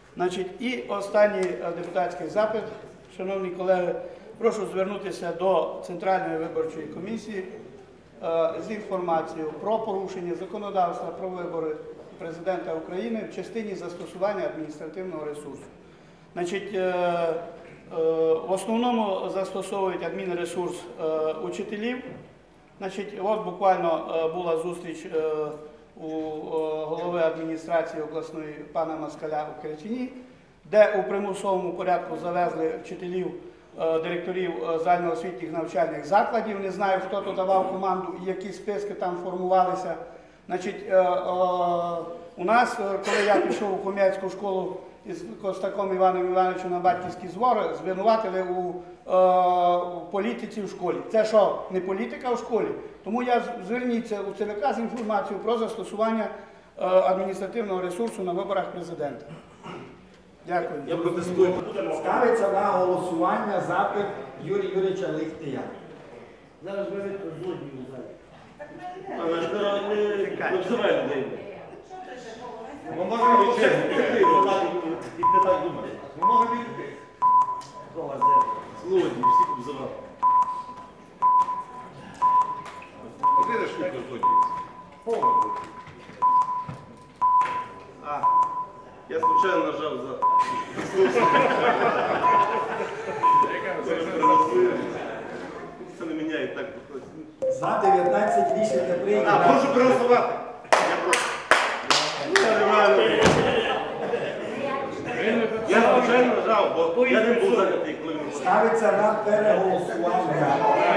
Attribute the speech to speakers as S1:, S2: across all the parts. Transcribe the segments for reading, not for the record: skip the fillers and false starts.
S1: Значить, і останній депутатський запит, шановні колеги, прошу звернутися до Центральної виборчої комісії з інформацією про порушення законодавства про вибори Президента України в частині застосування адміністративного ресурсу. Значить, в основному застосовують адмінресурс учителів. Значить, от буквально була зустріч у голови адміністрації обласної пана Москаля у Керчині, де у примусовому порядку завезли вчителів, директорів загальноосвітніх навчальних закладів. Не знаю, хто то давав команду і які списки там формувалися. Значить, у нас, коли я пішов у Хом'яцьку школу із Костаком Іваном Івановичем на батьківські збори, звинуватили у політиці в школі. Це що, не політика в школі? Тому я зверніться у ЦВК з інформацією про застосування адміністративного ресурсу на виборах президента. Дякую.
S2: Я протестую.
S3: Ставиться на голосування запит Юрія Юрійовича Лихтия.
S4: Зараз виведуть злодію в залі.
S2: Але ж не обзивай людей.
S5: Ми можемо відкрити. Не так думати. Ми можемо відкрити.
S2: Злодії, всіх обзивали.
S5: Де ж швидко злодії? Повно.
S2: Я случайно нажав за... Це не міняє так.
S3: За 19 рішення прийнято.
S2: Прошу проголосувати. Я прошу. Я случайно нажав, бо я не був зайнятий, коли він...
S3: Ставиться на переголосування.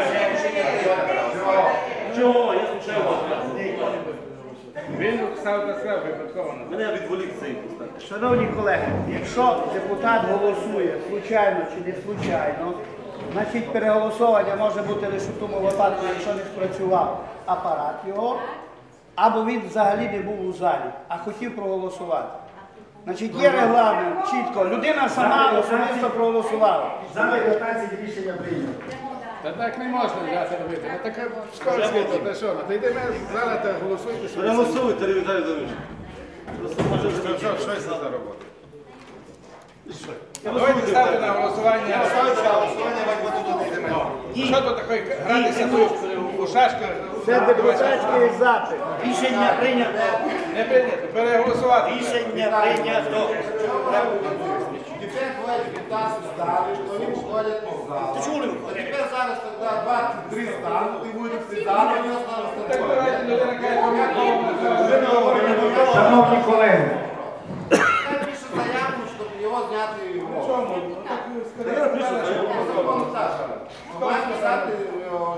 S2: Чого? Я случайно.
S4: Він став справу випадково.
S2: Мене відволік цей постав.
S1: Шановні колеги, якщо депутат голосує случайно чи не случайно, значить переголосування може бути лише в тому випадку, якщо не спрацював апарат його, або він взагалі не був у залі, а хотів проголосувати. Значить, є регламент, чітко. Людина сама особисто проголосувала.
S3: За 19 рішення прийнято.
S4: Та так не можна взяти робити. Ну таке школьське, то те що? Та йдемо зараз та голосуйте.
S2: Переголосуйте, Віталій Володимирович.
S4: Що це за робота? Давайте ставте на голосування. Що тут таке гратися у шашки?
S1: Це депутатський запит.
S6: Рішення прийнято.
S4: Не прийнято. Переголосувати.
S6: Рішення прийнято.
S5: Теперь бывает 15 ставишь, что они уходят по залу.
S6: Ты чули?
S5: Теперь зараз тогда 23 станут, и будет всегда, но не останутся
S4: Так
S5: такое.
S4: давайте людина каже,
S3: Шановні колеги,
S5: Я пишу заявку, чтобы его зняти в
S4: чому?
S5: Має писати